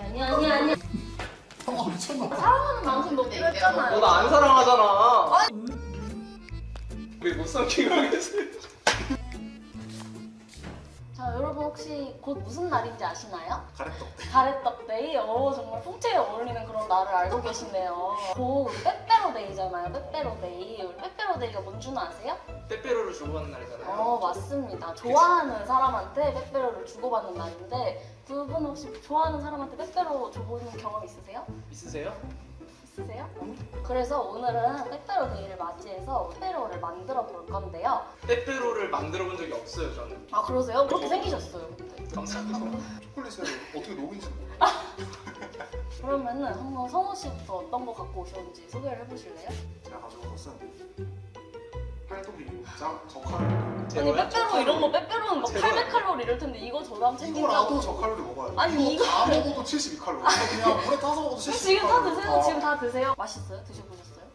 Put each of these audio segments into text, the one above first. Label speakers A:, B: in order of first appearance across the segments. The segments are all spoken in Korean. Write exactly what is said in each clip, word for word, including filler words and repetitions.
A: 아니 아니 아니.
B: 아 미쳤나?
A: 사랑하는 만큼 높이로 했잖아요.
C: 너 나 안 사랑하잖아. 왜 못 삼키고 하겠지?
A: 자 여러분 혹시 곧 무슨 날인지 아시나요?
B: 가래떡.
A: 가래떡데이. 어 정말 풍채에 어울리는 그런 날을 알고 계시네요. 곧 빼빼로데이잖아요. 빼빼로데이. 우리 빼빼로데이가 뭔지는 아세요?
C: 빼빼로를 주고받는 날이잖아요.
A: 어 맞습니다. 좋아하는 사람한테 빼빼로를 주고받는 날인데 두 분 혹시 좋아하는 사람한테 빼빼로 줘보는 경험 있으세요?
C: 있으세요?
A: 있으세요? 그래서 오늘은 빼빼로데이를 맞이해서 빼빼로를 만들어 볼 건데요.
C: 빼빼로를 만들어 본 적이 없어요, 저는.
A: 아 그러세요? 그렇게 생기셨어요 근데.
C: 감사합니다.
B: 초콜릿을 어떻게 녹인지 몰라.
A: 그러면은 한번 성우 씨부터 어떤 거 갖고 오셨는지 소개를 해보실래요?
B: 제가 가져온 것은 팔도비 짱 저칼로리.
A: 아니 빼빼로 이런 거 빼빼로는 막
C: 제발.
A: 팔백 칼로리 이럴 텐데 이거 저도 한번 챙긴다고.
B: 이거라도 저칼로리 먹어야 돼.
A: 아니,
B: 이거
A: 이거-
B: 다 먹어도 칠십이 칼로리. 이거 그냥 물에 타서 먹어도 칠십이
A: 지금 다
B: 칼로리.
A: 드세요. 지금 다 드세요. 맛있어요? 드셔보셨어요?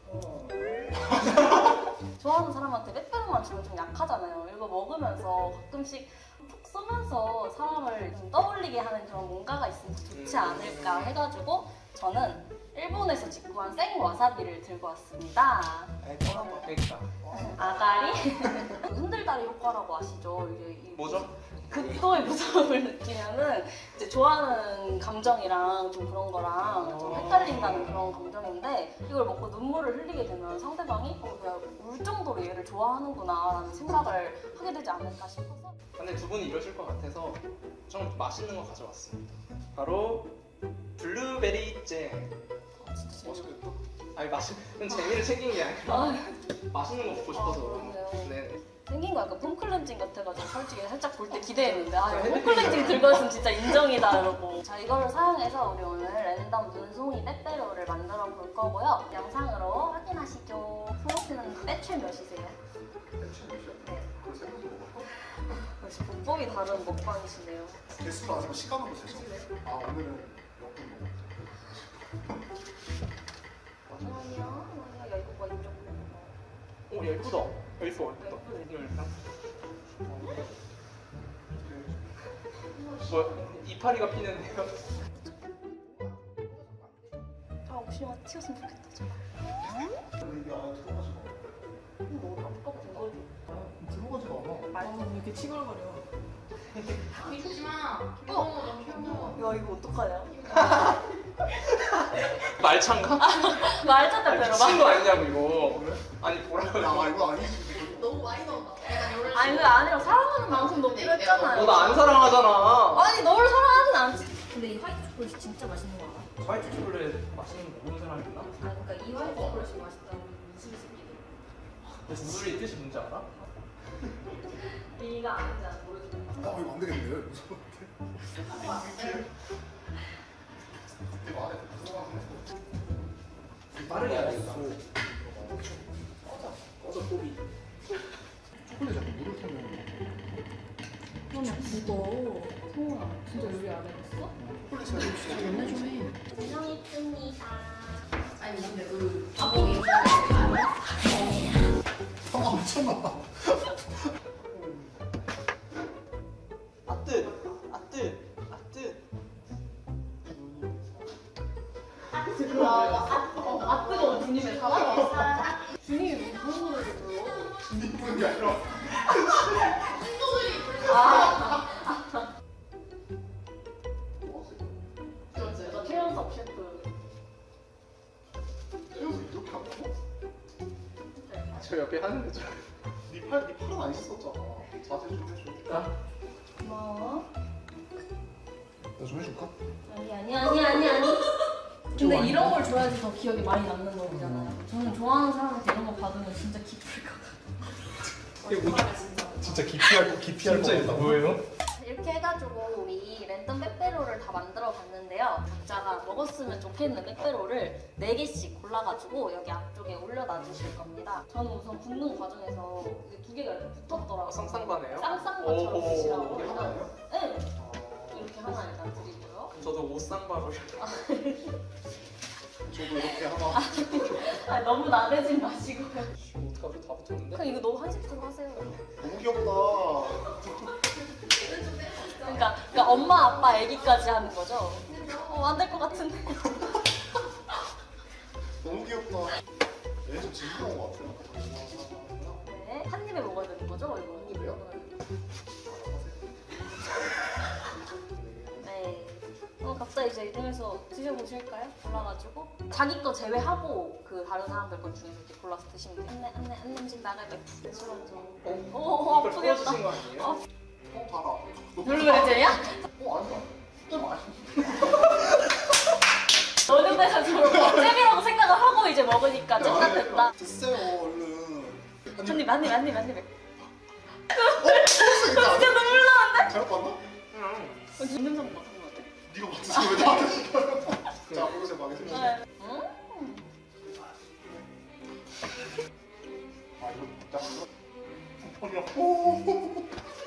A: 좋아하는 사람한테 빼빼로만 주면 좀 약하잖아요. 이거 먹으면서 가끔씩 푹 쏘면서 사람을 좀 떠올리게 하는 그런 뭔가가 있으면 좋지 않을까 해가지고 저는 일본에서 직구한 생 와사비를 들고 왔습니다.
C: 그러니까.
A: 아가리? 흔들다리 효과라고 아시죠? 이게 이
C: 뭐죠?
A: 극도의 무서움을 느끼면은 이제 좋아하는 감정이랑 좀 그런 거랑 좀 헷갈린다는 그런 감정인데 이걸 먹고 눈물을 흘리게 되면 상대방이 어, 내가 울 정도로 얘를 좋아하는구나라는 생각을 하게 되지 않을까 싶어서.
C: 근데 두 분이 이러실 것 같아서 좀 맛있는 거 가져왔습니다. 바로 블루베리 잼.
A: 아, 진짜 재밌어.
B: 맛있겠다.
C: 아니 맛있는 재미를 챙긴 게 아니라
A: 아,
C: 맛있는 거 먹고 싶어서.
A: 아, 그러네요.
C: 네.
A: 생긴 거 약간 폼클렌징 같아가지고 솔직히 살짝 볼 때 기대했는데 아 이거 폼클렌징 들고 있으면 진짜 인정이다 이러고. 자 이거를 사용해서 우리 오늘 랜덤 눈송이 빼빼로를 만들어 볼 거고요. 영상으로 확인하시죠. 성호 씨는 빼출 몇이세요? 네.
B: 그걸 생각해 먹어.
A: 역시 문법이 다른 먹방이시네요.
B: 개수를 아직 시간으로 재죠. 아 오늘은 몇 분 먹었대.
A: 잠깐만요. 야 이거 뭐 인정.
C: 오 예쁘다. 예뻐 예쁘다. 이거 일단. 뭐 이파리가 피는데요?
A: 아 혹시 영화 튀었으면 좋겠다. 제발.
B: 이게 안에 들어가지가 않아.
A: 이거 너무 아깝다. 이거
B: 들어가지가 않아.
A: 말도
D: 왜 이렇게 치글거려?
E: 믿지 마. 귀여워, 너무 귀여워.
A: 야 이거 어떡하냐?
C: 말찬가?
A: 말자
C: 아니,
A: 빼빼로
C: 미친 거 아니냐고 이거. 아니 보라고.
B: 야 이거 아니지.
E: 너무 많이 나온다. 약간 요런
A: 아니 그게 아니라 사랑하는 만큼 높이로 했잖아요.
C: 너 나 안 사랑하잖아.
A: 아니 너를 사랑하진 않지. 근데 이 화이트 초콜릿이 진짜 맛있는 거 알아?
C: 화이트 초콜릿 맛있는 거 모르는 사람 있나?
A: 아 그러니까 이 화이트 초콜릿이 맛있다는 무슨 새끼들.
C: 무술이 뜻이 뭔지 알아?
A: 네가 아는지 안 모르겠어.
B: 아 이거 안 되겠네. 무서운데. 이거 안에 들어가지네.
C: 빠르게 하겠어. 꺼져 꼬비.
B: 초콜릿 약간 물을 타면
D: 그러면 그거 성우야 진짜 요리 안 해봤어?
B: 초콜릿 잘
D: 저 연애 좀 해.
A: 안녕 이쁩니다.
E: 아니 근데 그 밥이
B: 아 미쳤나?
C: 아뜨 아뜨 아뜨.
A: 아 뜨거운 분이네 사랑. 준이 무슨 노래를 불러?
B: 이분이 아니라
A: 아
E: 그렇지.
A: 저 최연석 셰프.
B: 태워서 이렇게 안 먹어?
C: 저 옆에 하는 거죠.
B: 네팔 네 팔은 안 씻었잖아. 자제 좀 해줘.
C: 아,
A: 고마워.
B: 내가 좀 해줄까?
A: 아니 아니 아니 아니 아니. 근데 이런 걸 줘야지 더 기억에 많이 남는 거잖아요. 저는 좋아하는 사람한테 이런 거 받으면 진짜 기쁠 것 같아요.
C: 이게 뭐야?
B: 진짜 기피할 기피할
C: 진짜 이거 뭐예요?
A: 이렇게 해가지고 우리 랜덤 빼빼로를 다 만들어 봤는데요. 각자가 먹었으면 좋겠는 빼빼로를 네 개씩 골라가지고 여기 앞쪽에 올려놔 주실 겁니다. 저는 우선 굽는 과정에서 이게 두 개가 이렇게 붙었더라고요.
C: 쌍쌍바네요?
A: 쌍쌍바처럼
C: 오호.
A: 드시라고.
B: 이게 하나예요?
A: 네. 이렇게 하나 일단 드리고요.
C: 저도 옷쌍바로.
B: 저도 이렇게 하나.
A: 아 너무 나대지 마시고요.
C: 어떡하지? 다 붙었는데?
A: 그냥 이거 너무 한식으로 하세요.
B: 너무 귀엽다.
A: 그러니까, 그러니까 엄마, 아빠, 아기까지 하는 거죠. 어, 안 될 것 같은데.
B: 너무 귀엽다. 얘 좀 징그러운 것 같아요.
A: 네, 한 입에 먹어야 되는 거죠, 이거?
B: 한 입에요?
A: 네. 어, 갑자기 이제 이동해서 드셔보실까요? 골라가지고 자기 거 제외하고 그 다른 사람들 것 중에서 이렇게 골라서 드시면 돼요. 안내 안내 안 냄새 나갈 때 술 한 잔.
C: 어?
A: 오,
C: 이걸
A: 아프겠다.
C: 풀어주신 거 아니에요?
A: 어.
B: 어, 달아.
A: 블루베리제야?
B: 어, 아니야. 진짜 맛있어.
A: 어느 저런 잼이라고 생각을 하고 이제 먹으니까 잼 같았다.
B: 드세요, 얼른.
A: 한 입, 한 입, 한 입, 한 입.
B: 어,
A: 진짜 눈물 나는데?
B: 잘못 봤나?
C: 응.
A: 어, 진짜 냄새 맡은 것 같아.
B: 네가 맡으시면 왜 나한테 시켜요? 자, 보세요, 마겠습니다.
A: 네. 음.
B: 아, 이거 진짜 뭐냐? 오.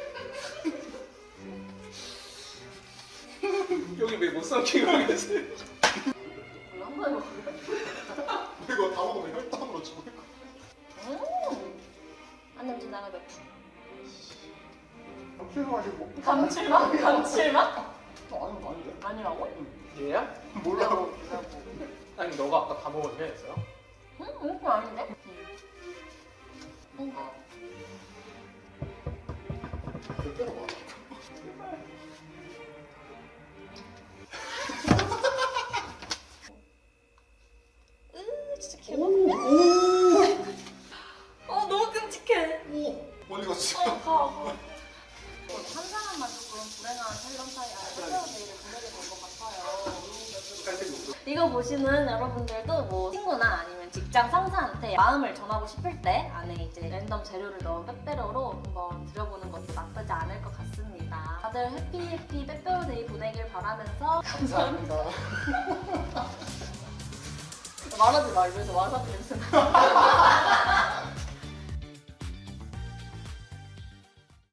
C: 여기 왜 못 삼키고 계세요?
A: 몰라, 한 번에 먹을래?
B: 이거 다 먹으면 혈당으로 죽을 거.
A: 음. 안 냄새 나갈 때.
B: 감칠맛이고.
A: 감칠맛? 감칠맛?
B: 어, 아니, 아닌데?
A: 아니라고?
C: 얘야?
B: 몰라요.
C: 아니 너가 아까 다 먹었냐 했어요?
A: 응? 응? 그거 아닌데? 응.
B: 아. 몇 개나 먹어?
A: 으, 진짜
B: 오!
A: 개맛있네.
B: 오!
A: 어, 너무 끔찍해.
B: 오! 멀리 갔어.
A: 어, 가, 가. 한 사람만 조금 불행한 탤런트아이 탤런트데이를 보내게 된 것 같아요. 이거 보시는 여러분들도 뭐 친구나 아니면 직장 상사한테 마음을 전하고 싶을 때 안에 이제 랜덤 재료를 넣은 빼빼로로 한번 드려보는 것도 나쁘지 않을 것 같습니다. 다들 해피 해피 빼빼로데이 보내길 바라면서
B: 감사합니다.
A: 말하지 마, 입에서 와사비 냄새 나.